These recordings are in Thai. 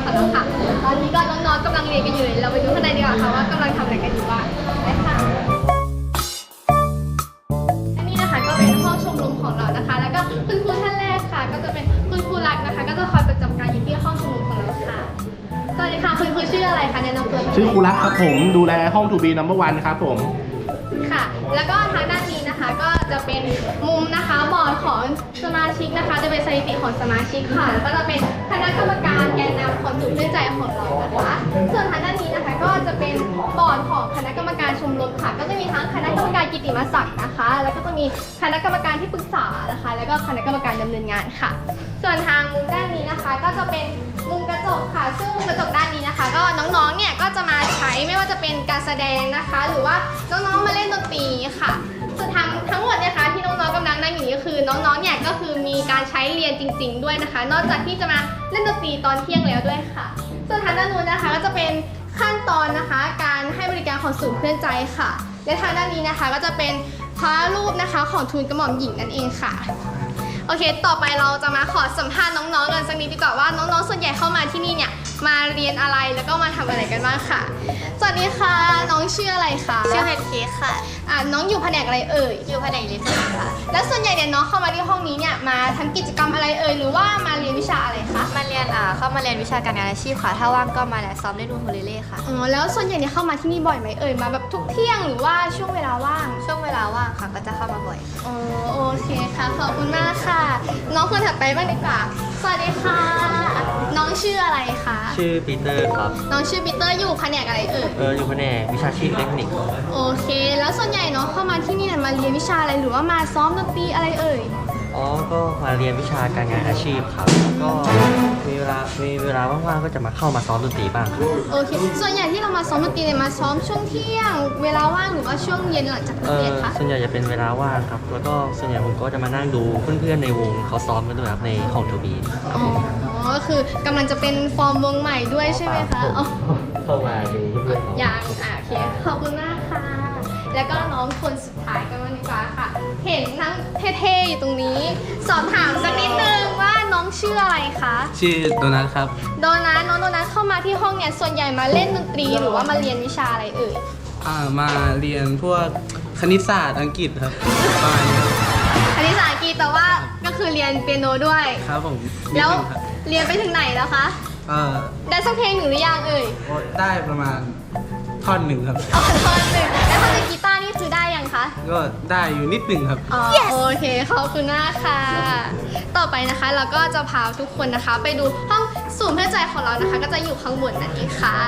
ของเราค่ะตอนนี้ก็น้องๆกำลังเรียนกันอยู่เลยเราไปดูข้างในดีกว่าค่ะว่ากำลังทำอะไรกันอยู่บ้างไปค่ะอันนี้นะคะก็เป็นห้องชมรมของเรานะคะแล้วก็คุณครูท่านแรกค่ะก็จะเป็นคุณครูรักนะคะก็จะคอยประจำการอยู่ที่ห้องชมรมของเราค่ะสวัสดีค่ะคุณครูชื่ออะไรคะแนะนำตัวชื่อครูรักครับผมดูแลห้องทูบีนัมเบอร์วันครับผมค่ะแล้วก็ทางด้านนี้นะคะก็จะเป็นมุมนะคะบอร์ดของสมาชิกนะคะจะเป็นสถิติของสมาชิกค่ะแล้วก็จะเป็นคณะกรรมการแกนนำของศูนย์เพื่อนใจของเรานะคะส่วนทางด้านนี้นะคะก็จะเป็นบอร์ดของคณะกรรมการชมรมค่ะก็จะมีทั้งคณะกรรมการกิตติมศักดิ์นะคะแล้วก็จะมีคณะกรรมการที่ปรึกษานะคะแล้วก็คณะกรรมการดำเนินงานค่ะส่วนทางมุมด้านนี้นะคะก็จะเป็นมุมกระจกค่ะซึ่งมุมกระจกด้านนี้นะคะก็น้องๆเนี่ยก็จะมาใช้ไม่ว่าจะเป็นการแสดงนะคะหรือว่าน้องๆมาเล่นดนตรีค่ะส่วนทั้งหมดนะคะที่น้องๆกำลังนั่งอยู่นี้ก็คือน้องๆเนี่ยก็คือมีการใช้เรียนจริงๆด้วยนะคะนอกจากที่จะมาเล่นดนตรีตอนเที่ยงแล้วด้วยค่ะส่วนทางด้านนู้นนะคะก็จะเป็นขั้นตอนนะคะการให้บริการของศูนย์เพื่อนใจค่ะและทางด้านนี้นะคะก็จะเป็นพระรูปนะคะของทูลกระหม่อมหญิงนั่นเองค่ะโอเคต่อไปเราจะมาขอสัมภาษณ์น้องๆกันสักนิดดีกว่าว่าน้องๆส่วนใหญ่เข้ามาที่นี่เนี่ยมาเรียนอะไรแล้วก็มาทำอะไรกันบ้างค่ะสวัสดีค่ะน้องชื่ออะไรคะชื่อแพนเค้กค่ะน้องอยู่แผนกอะไรเอ่ยอยู่แผนกลิเทค่ะแล้วส่วนใหญ่เนี่ยน้องเข้ามาที่ห้องนี้เนี่ยมาทำกิจกรรมอะไรเอ่ยหรือว่ามาเรียนวิชาอะไรคะมาเรียนเข้ามาเรียนวิชาการงานอาชีพค่ะ ถ้าว่างก็มาซ้อมเล่นอูคูเลเล่ค่ะอ๋อแล้วส่วนใหญ่เนี่ยเข้ามาที่นี่บ่อยไหมเอ่ยมาแบบทุกเที่ยงหรือว่าช่วงเวลาว่างช่วงเวลาว่างค่ะก็จะเข้ามาบ่อยอ๋อโอเคค่ะขอบคุณมากค่ะ น้องคนถัดไปบ้างดีกว่าสวัสดีค่ะ น้องชื่ออะไรคะชื่อปีเตอร์ครับน้องชื่อปีเตอร์อยู่แผนกอะไรเอ่ยอยู่แผนกวิชาชีพอิเล็กทรอนิกส์โอเค แล้วส่วนใหญ่น้องเข้ามาที่นี่เนี่ยมาเรียนวิชาอะไรหรือว่ามาซ้อมดนตรีอะไรเอ่ยอ๋อ ก็มาเรียนวิชาการงานอาชีพครับ ก็มีเวลาว่างๆก็จะมาเข้ามาซ้อมดนตรีบ้างครับโอเค ส่วนใหญ่ที่เรามาซ้อมดนตรีเนี่ยมาซ้อมช่วงเที่ยง เวลาว่างหรือว่าช่วงเย็นหลังจากเลิกเรียนคะส่วนใหญ่จะเป็นเวลาว่างครับ แล้วก็ส่วนใหญ่ผมก็จะมานั่งดูเพื่อนๆในวงเขาซ้อมกันด้วยครับในของทูบีครับอ๋อผมก็คือกำลังจะเป็นฟอร์มวงใหม่ด้วยใช่ไหมคะอ๋อเข้ามาดูเพื่อนๆอย่างโอเค ขอบคุณมากค่ะ แล้วก็น้องคนสุดท้ายกันบ้างดีกว่าค่ะ เห็นทั้งเท่ๆอยู่ตรงนี้ สอบถามสักนิดนึงว่าน้องชื่ออะไรคะชื่อโดนัทครับโดนัทน้องโดนัทเข้ามาที่ห้องเนี่ยส่วนใหญ่มาเล่นดนตรีหรือว่ามาเรียนวิชาอะไรเอ่ยมาเรียนพวกคณิตศาสตร์อังกฤษครับประมาณนี้ครับคณิตศาสตร์อังกฤษแต่ว่าก็คือเรียนเปียโนด้วยครับผมแล้วนิดนึงครับเรียนไปถึงไหนแล้วคะเอ่อได้สักเพลงหนึ่งหรือยังเอ่ยได้ประมาณท่อนหนึ่งครับอ๋อท่อนหนึ่งแล้วถ้าเป็นกีตาร์นี่คือได้ยังคะก็ได้อยู่นิดหนึ่งครับอ๋อโอเคขอบคุณมากค่ะ ต่อไปนะคะเราก็จะพาทุกคนนะคะ ไปดูห้องศูนย์เพื่อนใจของเรานะคะ ก็จะอยู่ข้างบนนั่นเองค่ะ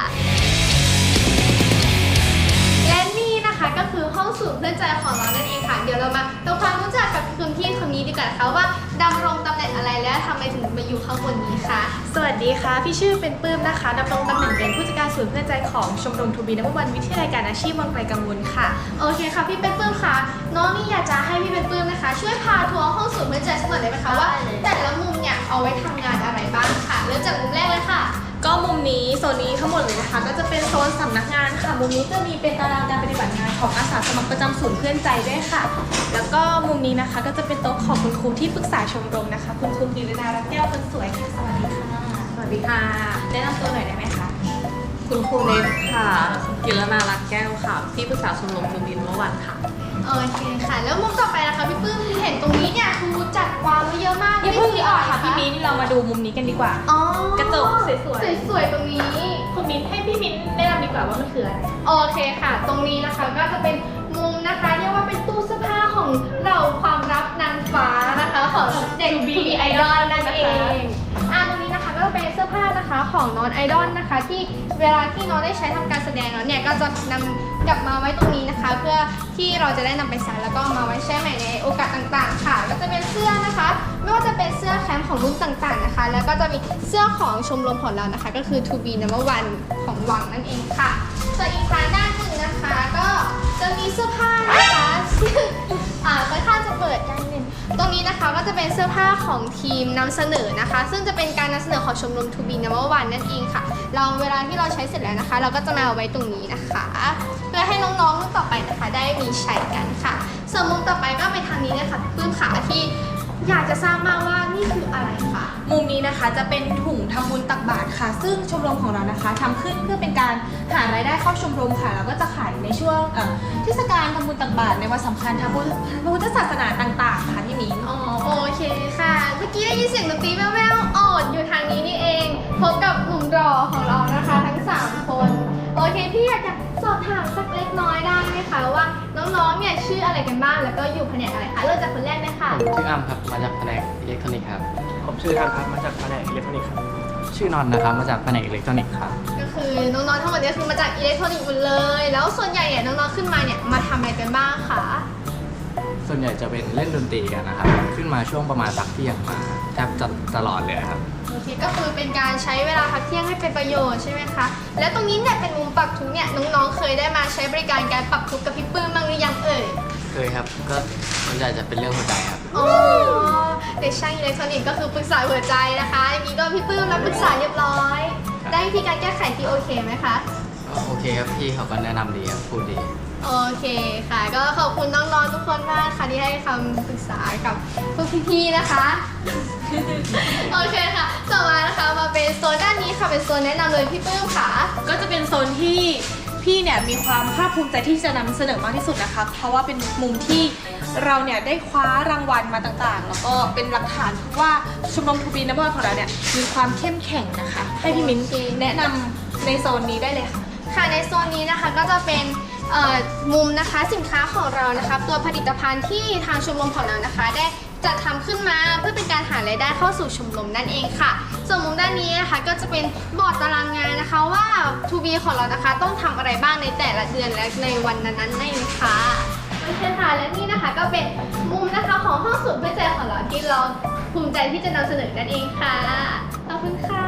และนี่นะคะก็คือห้องศูนย์เพื่อนใจของเรานั่นเองค่ะ เดี๋ยวเรามาทำความรู้จักกับคุณพี่คนนี้ดีกว่านะคะว่าดำรงตำแหน่งอะไรและทำไมถึงมาอยู่ข้างบนนี้คะสวัสดีค่ะ พี่ชื่อเป็นปื้มนะคะดำรงตำแหน่งเป็นผู้จัดการศูนย์เพื่อนใจของชมรมทูบีนัมเบอร์วันวิทยาลัยการอาชีพวังไกลกังวลค่ะโอเคค่ะพี่เป็นปื้มค่ะน้องนี่อยากจะให้พี่เป็นปื้มนะคะ ช่วยพาทัวร์ห้องศูนย์เพื่อนใจสักหน่อยได้ไหมคะว่าแต่ละมุมเนี่ยเอาไว้ทำงานอะไรบ้างค่ะเริ่มจากมุมแรกเลยค่ะก็มุมนี้โซนนี้ทั้งหมดเลยนะคะ ก็จะเป็นโซนสำนักงานค่ะ มุมนี้จะมีเป็นตารางการปฏิบัติงานของอาสาสมัครประจำศูนย์เพื่อนใจด้วยค่ะ แล้วก็มุมนี้นะคะก็จะเป็นโต๊ะของคุณครูที่ปรึกษาชมรมนะคะ คุณครูกิรนารัตน์แก้วคนสวยค่ะสวัสดีค่ะสวัสดีค่ะแนะนำตัวหน่อยได้ไหมคะคุณครูเล็กค่ะ กิรนารัตน์แก้วค่ะ ที่ปรึกษาชมรมทูบินเมื่อวันค่ะโอเคค่ะ แล้วมุมต่อไปนะคะพี่ปื้มเห็นตรงนี้เนี่ยคือจัดวางไว้เยอะมากอย่าเพิ่งนี่ดีคือออะอกไรค่ะคะพี่มิ้นเรามาดูมุมนี้กันดีกว่าอ๋อกระจกสวยๆสวยๆตรงนี้คุณมิ้นให้พี่มิ้นแนะนำดีกว่าว่ามันคืออะไรโอเคค่ะ ตรงนี้นะคะก็จะเป็นมุมนะคะเรียกว่าเป็นตู้เสื้อผ้าของเราความลับนางฟ้านะคะของเด็ก To be To be Idol Idol นั่นเองตรงนี้นะคะก็จะเป็นเสื้อผ้านะคะของน้องไอดอลนะคะ ที่เวลาที่น้องได้ใช้ทำการแสดงแล้วเนี่ยก็จะนำกลับมาไว้ตรงนี้นะคะ เพื่อที่เราจะได้นำไปใช้แล้วก็มาไว้ใช้ใหม่ในโอกาสต่างๆค่ะก็จะเป็นเสื้อนะคะ ไม่ว่าจะเป็นเสื้อแคมป์ของรุ่นต่างๆนะคะ แล้วก็จะมีเสื้อของชมรมของเรานะคะ ก็คือ To be number one ของวังนั่นเองค่ะส่วนอีกทางด้านหนึ่งนะคะก็จะมีเสื้อผ้านะคะซึ่งค่อนข้างจะเปิดได้นิดนึงตรงนี้นะคะก็จะเป็นเสื้อผ้าของทีมนำเสนอนะคะ ซึ่งจะเป็นการนำเสนอของชมรม To be number one นั่นเองค่ะเราเวลาที่เราใช้เสร็จแล้วนะคะ เราก็จะมาเอาไว้ตรงนี้นะคะเพื่อให้น้องๆรุ่นต่อไปนะคะได้มีใช้กันค่ะส่วนมุมต่อไปก็ไปทางนี้เลยค่ะพี่ปื้มขาที่อยากจะทราบมากว่านี่คืออะไรคะมุมนี้นะคะจะเป็นถุงทำบุญตักบาตรค่ะ ซึ่งชมรมของเรานะคะทำขึ้นเพื่อเป็นการหารายได้เข้าชมรมค่ะแล้วก็จะขายในช่วงเทศกาลทำบุญตักบาตรในวันสำคัญทางพุทธศาสนาต่างๆค่ะพี่มิ้นอ๋อโอเคค่ะ เมื่อกี้ได้ยินเสียงดนตรีแว่วๆอยู่ทางนี้นี่เองพบกับหนุ่มรอของเรานะคะทั้ง3คนโอเคพี่อยากจะสอบถามสักเล็กน้อยได้ไหมคะว่าน้องๆเนี่ยชื่ออะไรกันบ้างแล้วก็อยู่แผนกอะไรคะเริ่มจากคนแรกเลยค่ะชื่ออ้ำครับ มาจากแผนกอิเล็กทรอนิกส์ครับผมชื่อทันครับ มาจากแผนกอิเล็กทรอนิกส์ครับชื่อนอนนะครับ มาจากแผนกอิเล็กทรอนิกส์ครับก็คือน้องๆทั้งหมดเนี่ยคือมาจากอิเล็กทรอนิกส์หมดเลย แล้วส่วนใหญ่เนี่ยน้องๆขึ้นมาเนี่ยมาทำอะไรกันบ้างคะส่วนใหญ่จะเป็นเล่นดนตรีกันนะครับ ขึ้นมาช่วงประมาณพักเที่ยงมาแทบจะตลอดเลยครับโอเคก็คือเป็นการใช้เวลาพักเที่ยงให้เป็นประโยชน์ใช่ไหมคะแล้วตรงนี้เนี่ยเป็นมุมปรับทุกข์เนี่ยน้องๆเคยได้มาใช้บริการการปรับทุกข์กับพี่ปื้มบ้างหรือยังเอ่ยเคยครับ ก็ส่วนใหญ่จะเป็นเรื่องหัวใจครับอ๋อเด็กช่างอิเล็กทรอนิกส์ก็คือปรึกษาหัวใจนะคะอย่างนี้ก็พี่ปื้มรับปรึกษาเรียบร้อย ได้วิธีการแก้ไขที่โอเคไหมคะก็โอเคครับ พี่เขาก็แนะนำดีครับ พูดดีโอเคค่ะ ก็ขอบคุณน้องๆทุกคนมากค่ะที่ให้คำปรึกษากับพวกพี่ๆนะคะ โอเคค่ะต่อมานะคะมาเป็นโซนด้านนี้ค่ะเป็นโซนแนะนำเลยพี่ปื้มค่ะก็จะเป็นโซนที่พี่เนี่ยมีความภาคภูมิใจที่จะนำเสนอมากที่สุดนะคะ เพราะว่าเป็นมุมที่เราเนี่ยได้คว้ารางวัลมาต่างๆ แล้วก็เป็นหลักฐานว่าชมรมทูบีนัมเบอร์ของเราเนี่ยมีความเข้มแข็งนะคะ ให้พี่มิ้นแนะนำในโซนนี้ได้เลยค่ะค่ะในโซนนี้นะคะก็จะเป็นมุมนะคะสินค้าของเรานะคะตัวผลิตภัณฑ์ที่ทางชมรมของเรานะคะได้จัดทำขึ้นมาเพื่อเป็นการหารายได้เข้าสู่ชมรมนั่นเองค่ะส่วนมุมด้านนี้นะคะก็จะเป็นบอร์ดตารางงานนะคะว่า 2B ของเรานะคะต้องทำอะไรบ้างในแต่ละเดือนและในวันนั้นๆนั่นเองค่ะโอเคค่ะและนี่นะคะก็เป็นมุมนะคะของห้องสูตรเพื่อใจของเราที่เราภูมิใจที่จะนำเสนอนั่นเองค่ะขอบคุณค่ะ